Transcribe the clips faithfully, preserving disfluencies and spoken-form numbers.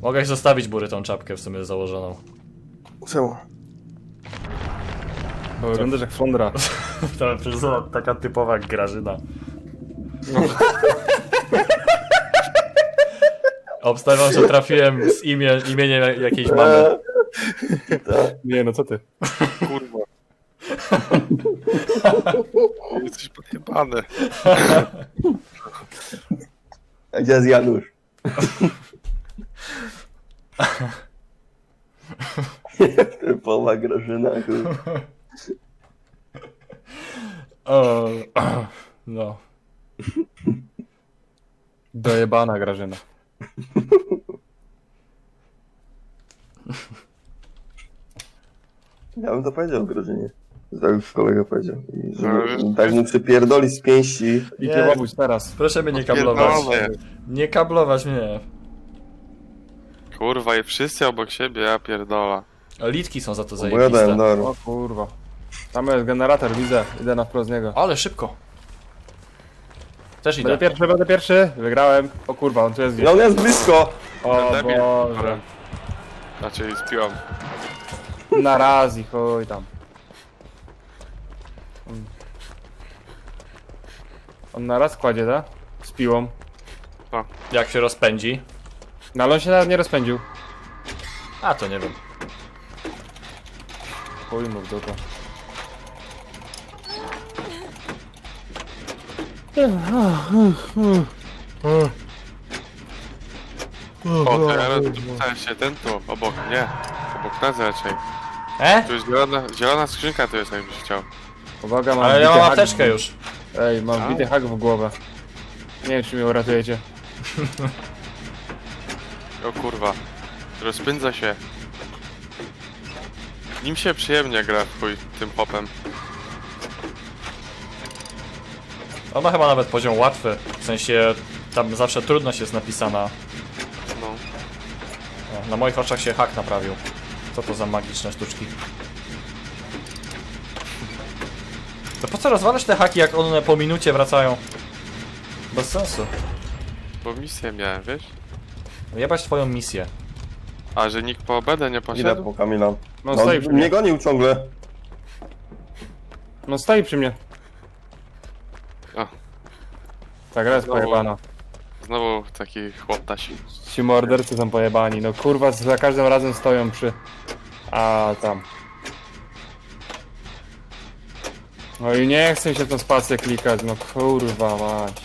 Mogę zostawić Bury tą czapkę w sumie założoną. Czemu? Bo wyglądasz jak flądra. To przecież taka typowa Grażyna. No. Obstawiam, że trafiłem z imię, imieniem jakiejś mamy. Nie, no co ty? Kurwa. Jesteś podjebany. A gdzie jest Janusz? Typowa Grażyna, kurwa. O, no. Dojebana Grażyna. Ja bym to powiedział Grażynie. Tak już kolega powiedział. I że No, tak mu przypierdoli z pięści. I Nie. kiełowódź teraz. Proszę mnie nie kablować. Pierdolę. Nie kablować mnie. Kurwa i wszyscy obok siebie, ja pierdolę. Litki są za to Opowiadałem, zajebiste. dobra. O kurwa. Tam jest generator, widzę. Idę na wprost z niego. Ale szybko. Też Będę idę. pierwszy, będę pierwszy. Wygrałem. O kurwa, on tu jest I gdzieś. on jest blisko! O Debil. Boże. Znaczy spiłam. Na raz i chuj tam. On- On na raz kładzie, tak? Z piłą. Jak się rozpędzi? No ale on się nawet nie rozpędził. A, to nie wiem. Chuj mu w dupę. O, teraz rzucałem się ten tu, obok, nie. Obok nas raczej. E? Tu jest zielona, zielona skrzynka, tu jest jakbyś chciał. Uwaga, mam Ale ja wbity mam hak apteczkę w- już. Ej, mam A? wbity hak w głowę. Nie wiem, czy mnie uratujecie. O kurwa. Rozpędza się. Nim się przyjemnie gra w chuj, tym popem. On ma chyba nawet poziom łatwy. W sensie, tam zawsze trudność jest napisana. No. O, na moich oczach się hak naprawił. Co to za magiczne sztuczki? To po co rozwalasz te haki, jak one po minucie wracają? Bez sensu. Bo misję miałem, wiesz? Jebać twoją misję. A, że nikt po obedę nie Idę poszedł? po Kamila. No No, stoi przy mnie mnie. gonił ciągle. No stoi przy mnie. O. Ta gra jest Znowu. pojebana. Znowu taki chłoptasi. Ci mordercy są pojebani. No kurwa, za każdym razem stoją przy... A tam. No i nie chcę się tą spację klikać, no kurwa mać.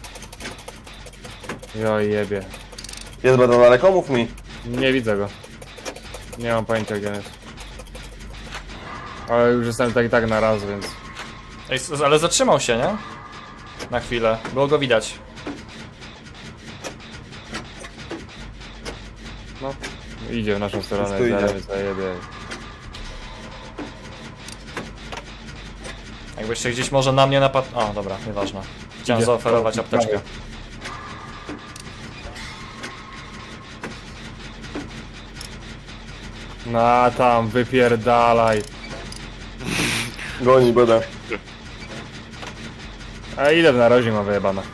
Jo jebie. Jest bardzo daleko, mów mi. Nie widzę go. Nie mam pojęcia gdzie jest. Ale już jestem tak i tak na raz, więc... Ej, s- ale zatrzymał się, nie? Na chwilę. Było go widać. No. Idzie w naszą stronę, tu idzie. zaraz zajebie. Jakbyście gdzieś może na mnie napadł... O, dobra, nieważne. Chciałem Idzie. zaoferować O, apteczkę. dawaj. No tam, wypierdalaj. Goni, będę. A ile w narozie ma wyjebana?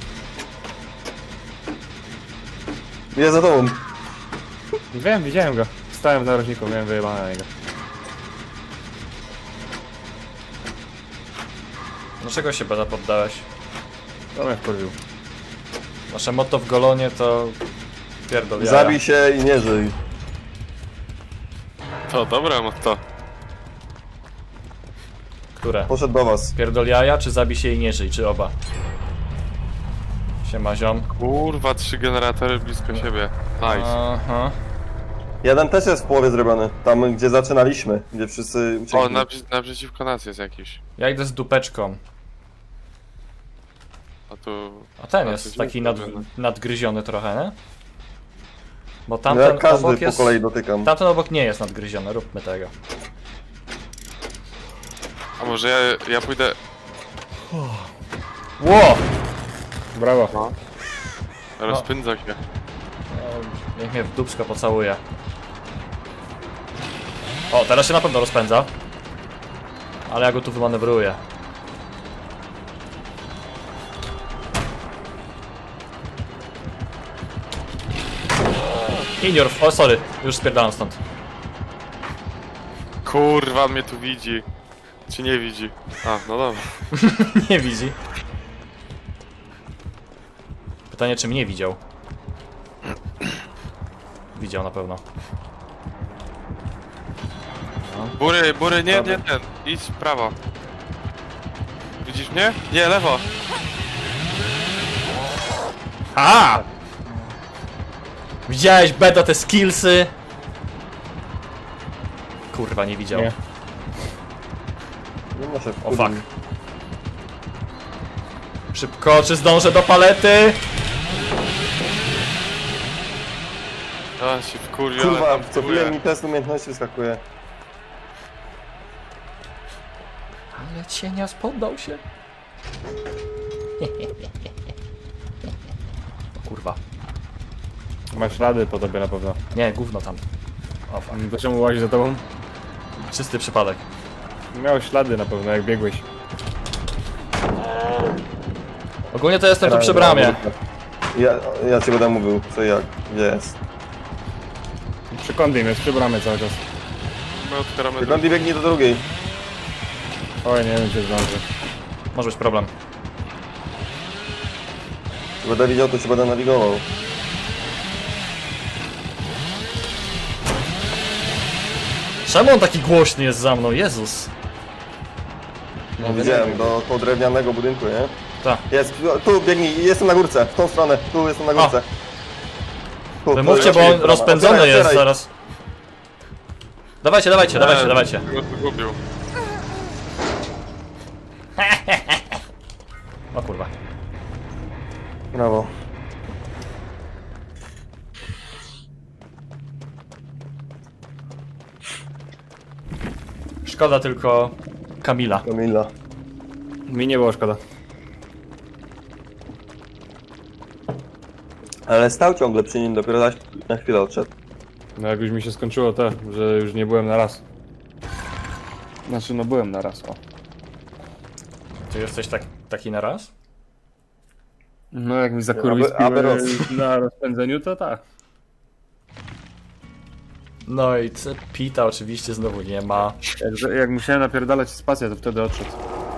Jest za tobą. Wiem, widziałem go. Stałem w narożniku, miałem wyjebane na niego. Dlaczego się Beda poddałeś? To mnie wkurwił. Nasze motto w Golonie to... Pierdol jaja. Zabij się i nie żyj. To dobra, no to. Które? Poszedł do was. Pierdol jaja, czy zabij się i nie żyj, czy oba? Siema ziom. Kurwa, trzy generatory blisko siebie. Nice. Aha. Jeden też jest w połowie zrobiony. Tam, gdzie zaczynaliśmy. Gdzie wszyscy uciekli. O, naprzy naprzeciwko nas jest jakiś. Ja idę z dupeczką. A tu... A ten A, jest tu taki dzień nad, zrobiony. nadgryziony trochę, nie? Bo No tamten jak każdy obok po jest... kolei dotykam. Tamten obok nie jest nadgryziony, róbmy tego. A może ja, ja pójdę... Ło! Brawo. Rozpędza się. O, niech mnie w dupsko pocałuje. O, teraz się na pewno rozpędza. Ale ja go tu wymanewruję. Inior, o sorry, już spierdalam stąd. Kurwa, mnie tu widzi. Czy nie widzi? A, no dobra. Nie widzi. Pytanie, czy mnie widział? Widział na pewno. Bury, bury, nie, nie ten. Idź w prawo. Widzisz mnie? Nie, lewo. A! Widziałeś, beta, te skillsy? Kurwa, nie widział. Nie. Nie ma się O fuck. Szybko, czy zdążę do palety? A, się wkurwię, Kurwa, ale co tam chwilę próbuję. mi test umiejętności wyskakuje. Ale cienias poddał się. O kurwa. Masz rady po tobie na pewno. Nie, gówno tam. O fuck. To czemu łazi za tobą? Czysty przypadek. Miałeś ślady na pewno, jak biegłeś. Ogólnie to jestem tu przy bramie. Ja, ja ci będę mówił, co i jak, gdzie jest. Przy Kondim jest, przy bramie cały czas. My otwieramy Tylko on biegnie do drugiej. Oj, nie wiem, czy zdąży. Może być problem. Jak będę widział, to ci będę nawigował. Czemu on taki głośny jest za mną? Jezus. No, widziałem, do koło drewnianego budynku, nie? Tak. Jest, tu biegnij, jestem na górce, w tą stronę, tu jestem na górce. Tu, tu, Wymówcie, bo jest on brama. rozpędzony Otwieraj, jest otwieraj. zaraz. Dawajcie, dawajcie, dawajcie, dawajcie. Go zgubił. O kurwa. Brawo. Szkoda tylko Kamila. Kamila. Mi nie było szkoda. Ale stał ciągle przy nim, dopiero zaś na chwilę odszedł. No jak już mi się skończyło to, że już nie byłem na raz. Znaczy, no byłem na raz, o. Ty jesteś tak, taki na raz? No jak mi zakurwi Aby- aby roz- na rozpędzeniu, to tak. No i c- Pita oczywiście znowu nie ma. Jak, jak musiałem napierdalać spację, to wtedy odszedł.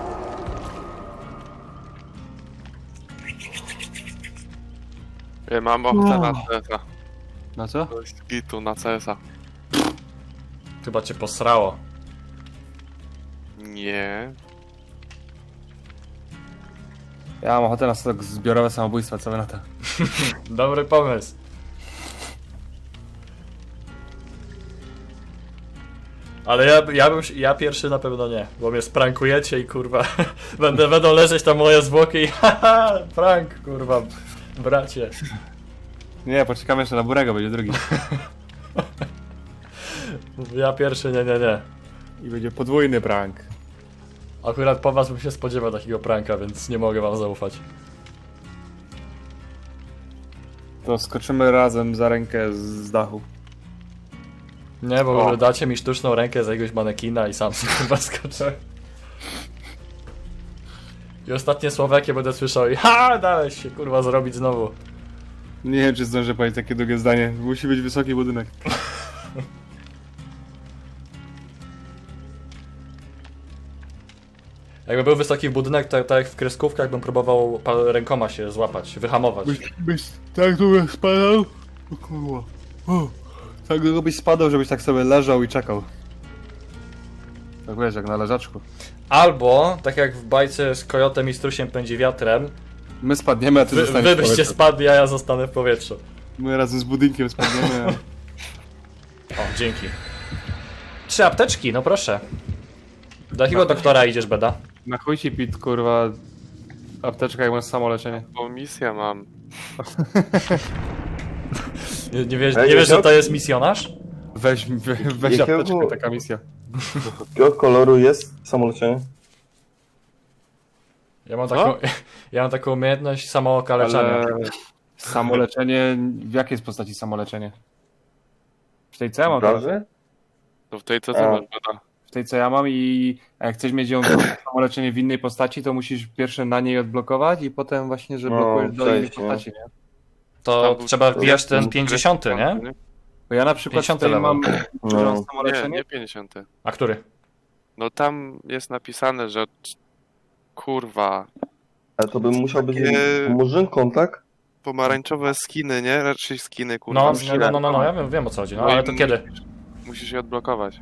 Ja mam ochotę na C S a. Na co? To jest gitu na C S a. Chyba cię posrało. Nie. Ja mam ochotę na stok zbiorowe samobójstwa, co wy na to? Dobry pomysł. Ale ja, ja bym, się- ja pierwszy na pewno nie, bo mnie sprankujecie i kurwa, będę, będą leżeć tam moje zwłoki i haha, prank, kurwa, bracie. Nie, poczekam jeszcze na Burego, będzie drugi. Ja pierwszy nie, nie, nie. I będzie podwójny prank. Akurat po was bym się spodziewał takiego pranka, więc nie mogę wam zaufać. To skoczymy razem za rękę z, z dachu. Nie, bo O. dacie mi sztuczną rękę z jakiegoś manekina i sam sobie kurwa skoczę. I ostatnie słowa jakie będę słyszał i ha, dałeś się kurwa zrobić znowu. Nie wiem, czy zdążę powiedzieć takie długie zdanie. Musi być wysoki budynek. Jakby był wysoki budynek, to tak jak w kreskówkach bym próbował pa- rękoma się złapać, wyhamować. Byś, byś tak długo spadał? O kurwa. O, tak długo byś spadał, żebyś tak sobie leżał i czekał. Tak wiesz, jak na leżaczku. Albo, tak jak w bajce z kojotem i strusiem pędzi wiatrem, My spadniemy, a ty wy, zostaniesz wy w byście powietrzu. spadli, a ja zostanę w powietrzu. My razem z budynkiem spadniemy, a... O, dzięki. Trzy apteczki, no proszę. Do jakiego doktora idziesz, Beda? Na chuj ci Pit, kurwa, apteczka jak masz samo leczenie. Bo misję mam. Nie, nie wiesz, Ej, nie wiesz, że jakiego- to jest misjonarz? Weź, we, weź Jakiego- apteczkę, taka misja. Jakiego koloru jest samolecie? Ja mam Co? taką, ja mam taką umiejętność samookaleczania. Ale samoleczenie, w jakiej jest postaci samoleczenie? W tej co ja mam teraz? Prawda? To w tej co A. ty masz, bada. W tej co ja mam i a jak chcesz mieć ją samoleczenie w innej postaci, to musisz pierwsze na niej odblokować i potem właśnie, że No, blokujesz do innej przejść, nie? postaci, nie? To Tam był- trzeba wbijać ten był pięćdziesiąty, nie? Bo ja na przykład pięćdziesiąty tutaj level. mam No. no. Nie, samoleczenie. nie pięćdziesiąty. A który? No tam jest napisane, że... Kurwa. Ale to bym musiał być Takie- murzynką, tak? Pomarańczowe skiny, nie? Raczej skiny, kurwa. No, Musisz- no, no, no, no, ja wiem, wiem o co chodzi, no No ale i to kiedy? Musisz, musisz je odblokować.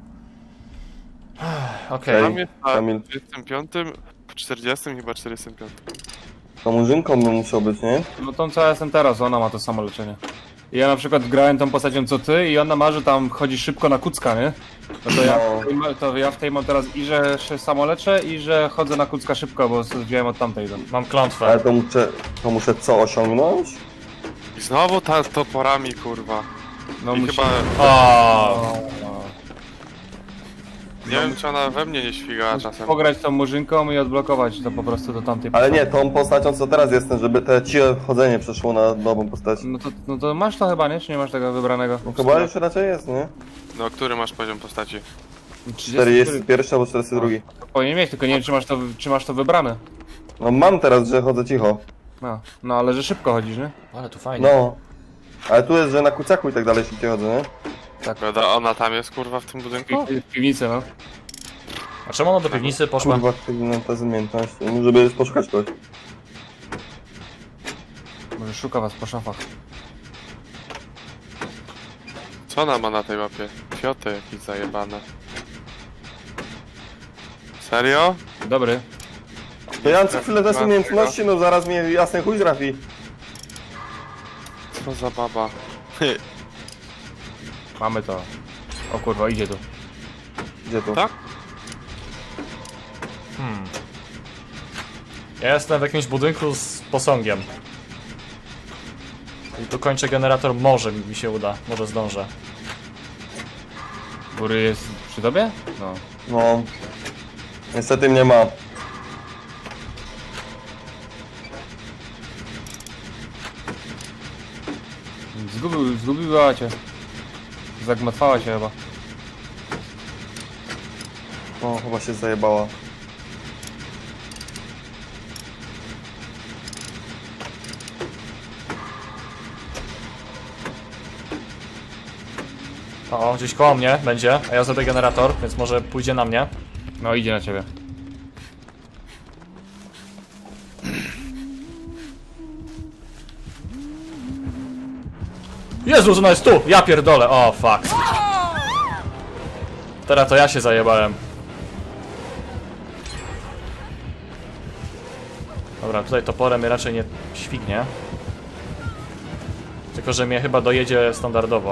Okej. Tam jest na Kamil. trzydziestym piątym, czterdziestym chyba czterdziestym piątym. To murzynką bym musiał być, nie? No tą co ja jestem teraz, ona ma to samo leczenie. I ja na przykład grałem tą postacią co ty i ona ma, że tam chodzi szybko na kucka, nie? No to ja, No. w tej ma- to ja w tej mam teraz i że się samo leczę i że chodzę na kucka szybko, bo wziąłem od tamtej. tam. Mam klątwę. Ale to muszę, to muszę co osiągnąć? I znowu ta z toporami, kurwa. No I musi... chyba... O, Nie wiem, czy ona we mnie nie świgała Musisz czasem. pograć tą murzynką i odblokować to po prostu do tamtej Ale postaci. nie, tą postacią co teraz jestem, żeby te ciche chodzenie przeszło na nową postać. No to, no to masz to chyba, nie? Czy nie masz tego wybranego? No chyba już raczej jest, nie? No, który masz poziom postaci? czterdzieści jeden albo czterdzieści dwa. Powinien mieć, tylko nie wiem czy masz to, czy masz to wybrane. No mam teraz, że chodzę cicho. No, no ale że szybko chodzisz, nie? ale tu fajnie. No. Ale tu jest, że na kuciaku i tak dalej szybciej chodzę, nie? Prawda, ona tam jest, kurwa, w tym budynku? W, w piwnicy, no. A czemu ona do piwnicy poszła? Kurwa, aktywna ta umiejętność, żeby poszukać kogoś. Może szuka was po szafach. Co ona ma na tej mapie? Fioty jakieś zajebane. Serio? Dobry. To ja mam co chwilę też umiejętności, no zaraz mnie jasny chuj trafi. Co za baba? Mamy to. O kurwa, idzie tu. Gdzie to? Tak? Hmm. Ja jestem w jakimś budynku z posągiem. I tu kończę generator, może mi się uda, może zdążę. Góry jest przy tobie? No. No. Niestety mnie ma. Zgubił, zgubiła cię. Zagmatwała się chyba. O, chyba się zajebała. O, gdzieś koło mnie będzie, a ja zrobię generator, więc może pójdzie na mnie. No idzie na ciebie. Jezus, ona jest tu! Ja pierdolę, o fuck. Teraz to ja się zajebałem. Dobra, tutaj toporem mnie raczej nie śwignie. Tylko, że mnie chyba dojedzie standardowo.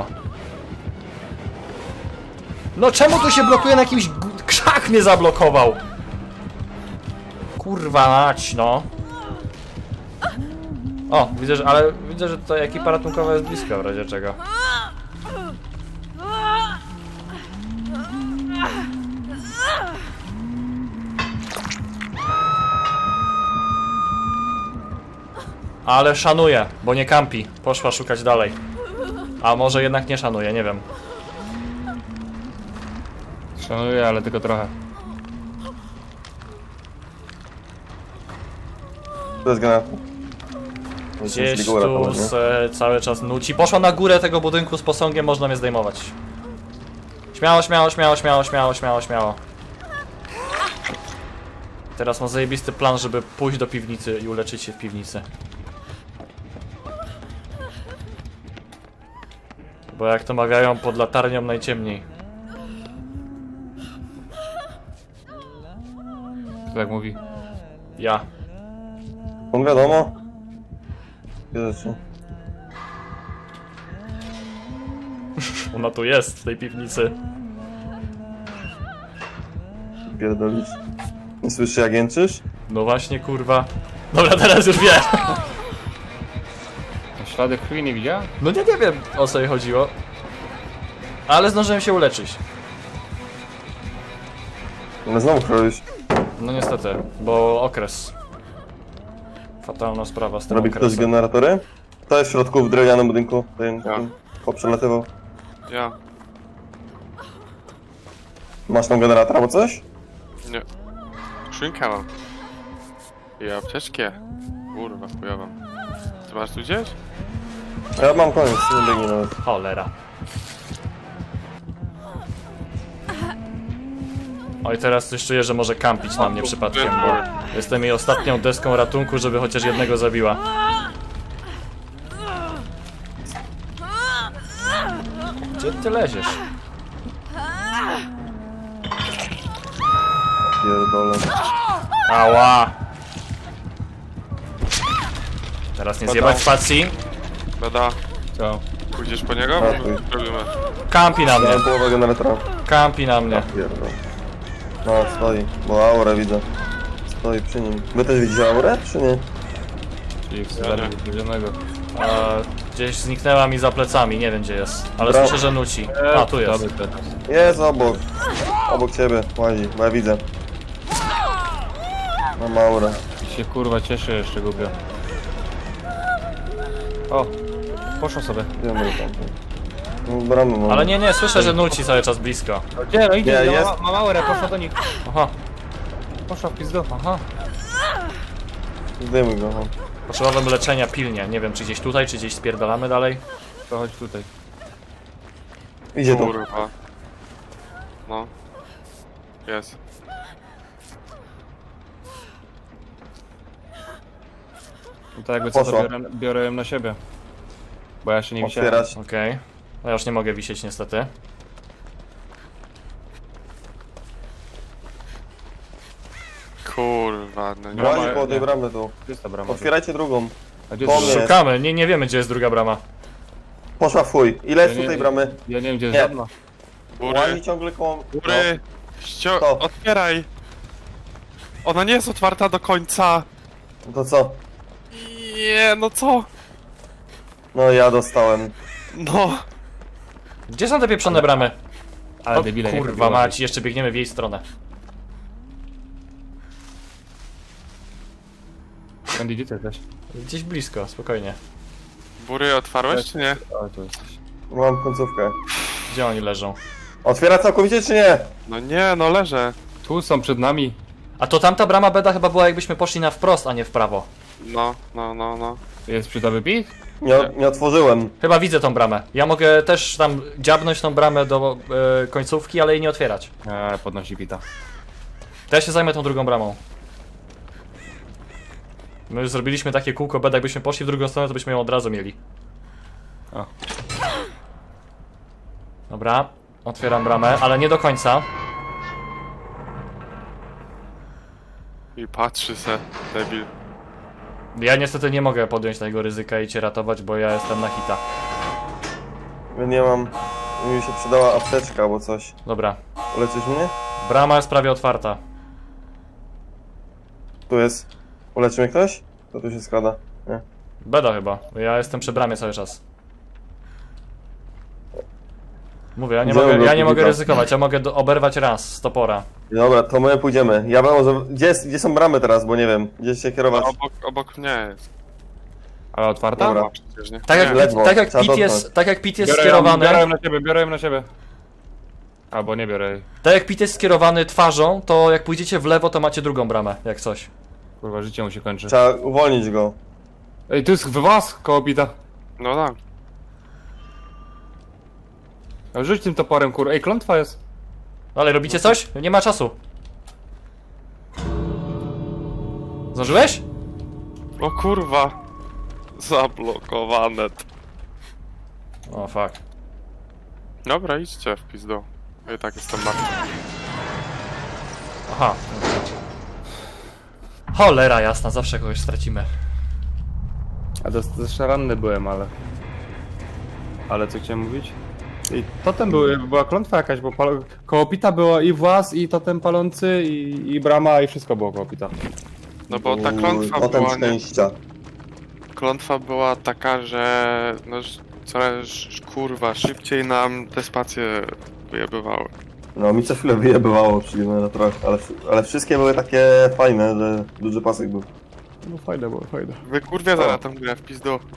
No czemu tu się blokuje na jakimś... gu- Krzak mnie zablokował! Kurwa mać, no. O, widzę, że... ale widzę, że tutaj ekipa ratunkowa jest blisko w razie czego. Ale szanuje, bo nie kampi. Poszła szukać dalej. A może jednak nie szanuje, nie wiem. Szanuję, ale tylko trochę. To jest generator. Gdzieś tu se cały czas nuci. Poszła na górę tego budynku z posągiem, można mnie zdejmować. Śmiało, śmiało, śmiało, śmiało, śmiało, śmiało, śmiało. Teraz mam zajebisty plan, żeby pójść do piwnicy i uleczyć się w piwnicy. Bo jak to mawiają, pod latarnią najciemniej. Kto tak mówi? Ja. No wiadomo. Dwie rzeczy. Ona tu jest, w tej piwnicy. Pierdolisz. Nie słyszy jak jęczysz? No właśnie, kurwa. Dobra, teraz już wiem. Ślady krwi nie widziała? No nie, nie wiem, o co jej chodziło. Ale zdążyłem się uleczyć. Ale znowu chronisz. No niestety, bo okres. Fatalna sprawa z tym Robi ktoś okresem. generatory? To jest w środku w drewnianym budynku. Ten Ja. poprzelatywał. Ja. Masz tam generator albo coś? Nie. Szynkę mam. I apteczkę. Kurwa, wpływam. Ty masz tu gdzieś? Ja mam koniec, nie biegnij nawet. Cholera. Oj, teraz coś czuję, że może kampić na mnie przypadkiem, bo jestem jej ostatnią deską ratunku, żeby chociaż jednego zabiła. Gdzie ty leziesz? Pierdolę. Ała! Teraz nie Pada. zjebać spacji. Beda, Co? pójdziesz po niego? Ratuj. Robimy. Kampi na mnie, Miałem połowę generatora. kampi na mnie. Pierdol. No, stoi, bo aurę widzę. Stoi przy nim. Wy też widzicie aurę, czy nie? Czyli w Ja nie. sklepie wywiedzionego. E, gdzieś zniknęła mi za plecami, nie wiem gdzie jest. Ale Bra- słyszę, że nuci. A, tu jest. Jest obok. Obok ciebie, łazi, bo ja widzę. Mam aurę. I się kurwa cieszę jeszcze głupio. O! Poszło sobie. Wiemy tam. No, bramy mam. Ale nie, nie, słyszę, że nuci cały czas blisko. Gdzie? No idzie, Nie, no, jest. ma, ma małe, poszła do nich. Aha, Poszła w pizdu. aha. Zdejmuj go. no. Potrzebowałem leczenia pilnie. Nie wiem, czy gdzieś tutaj, czy gdzieś spierdalamy dalej. To chodź tutaj. Idzie tu. Kurwa. No. Jest. No to jakby co to Poszła. biorę, biorę ją na siebie. Bo ja się nie wisiałem. Otwierać. Okej. No ja już nie mogę wisieć niestety. Kurwa, no nie. Brama- Łazi koło tej nie. bramy tu. Czysta brama. Otwierajcie drugą. A gdzie Po jest mnie. druga? Szukamy, nie, nie wiemy gdzie jest druga brama. Poszła w chuj. Ile jest Ja nie- tu tej bramy? Ja nie wiem gdzie jest Nie. żadna. Łazi Góry, ciągle koło... góry. Ścio... To. Otwieraj. Ona nie jest otwarta do końca. No to co? Nie, no co? No ja dostałem. No. Gdzie są te pieprzone bramy? Ale O, debile, nie kurwa chodziło. mać, jeszcze biegniemy w jej stronę. Andy, gdzie ty jesteś? Gdzieś blisko, spokojnie. Bury otwarłeś czy nie? O, tu jesteś. Mam końcówkę. Gdzie oni leżą? Otwiera całkowicie czy nie? No nie, no leżę. Tu są przed nami. A to tamta brama beda chyba była jakbyśmy poszli na wprost, a nie w prawo. No, no, no, no. Jest przydoby pik? Nie, nie otworzyłem. Chyba widzę tą bramę. Ja mogę też tam dziabnąć tą bramę do e, końcówki, ale jej nie otwierać. Eee, podnosi pita. To ja się zajmę tą drugą bramą. My już zrobiliśmy takie kółko beda, jakbyśmy poszli w drugą stronę, to byśmy ją od razu mieli. O. Dobra, otwieram bramę, ale nie do końca. I patrzy se, debil. Ja niestety nie mogę podjąć tego ryzyka i cię ratować, bo ja jestem na hita. Ja nie mam... Mi się przydała apteczka albo coś. Dobra, Uleczysz mnie? brama jest prawie otwarta. Tu jest. Uleczy mnie ktoś? To tu się składa. Nie. Beda chyba, bo ja jestem przy bramie cały czas. Mówię, ja nie Gdzie mogę, on ja był, nie mogę Kubika? ryzykować, ja mogę do, oberwać raz z topora. Dobra, to my pójdziemy. Ja bym może... Gdzie, jest, gdzie są bramy teraz, bo nie wiem. Gdzie się kierować? No, obok, obok mnie jest. Ale otwarta? Dobra. No, przecież nie. Tak jak, nie. Pit, ledwo, tak jak trzeba Pit jest, dotknąć. tak jak Pit jest Biorę ją, skierowany, biorę ją na siebie, biorę ją na siebie. Albo nie biorę jej. tak jak Pit jest skierowany twarzą, to jak pójdziecie w lewo, to macie drugą bramę, jak coś. Kurwa, życie mu się kończy. Trzeba uwolnić go. Ej, tu jest w was koło pita. No tak. A rzuć tym toporem, kurwa. Ej, klątwa jest. Ale robicie coś? Nie ma czasu. Zdążyłeś? O kurwa. Zablokowane. O fuck. Dobra, idźcie w pizdu. Ja i tak jestem martwy. Aha. Cholera jasna, zawsze kogoś stracimy. A to jeszcze ranny byłem, ale... Ale co chciałem mówić? I totem były, była klątwa jakaś, bo pal... koło pita było i włas, i totem palący, i, i brama, i wszystko było koło pita. No bo ta Uuu, klątwa Potem była, nie, szczęścia. klątwa była taka, że no ż- coraz kurwa szybciej nam te spacje wyjebywały. No mi co chwilę wyjebywało przy generatorach, ale, ale wszystkie były takie fajne, że duży pasek był. No fajne było, fajne. Wy kurwie zaraz tam grę w pizdu.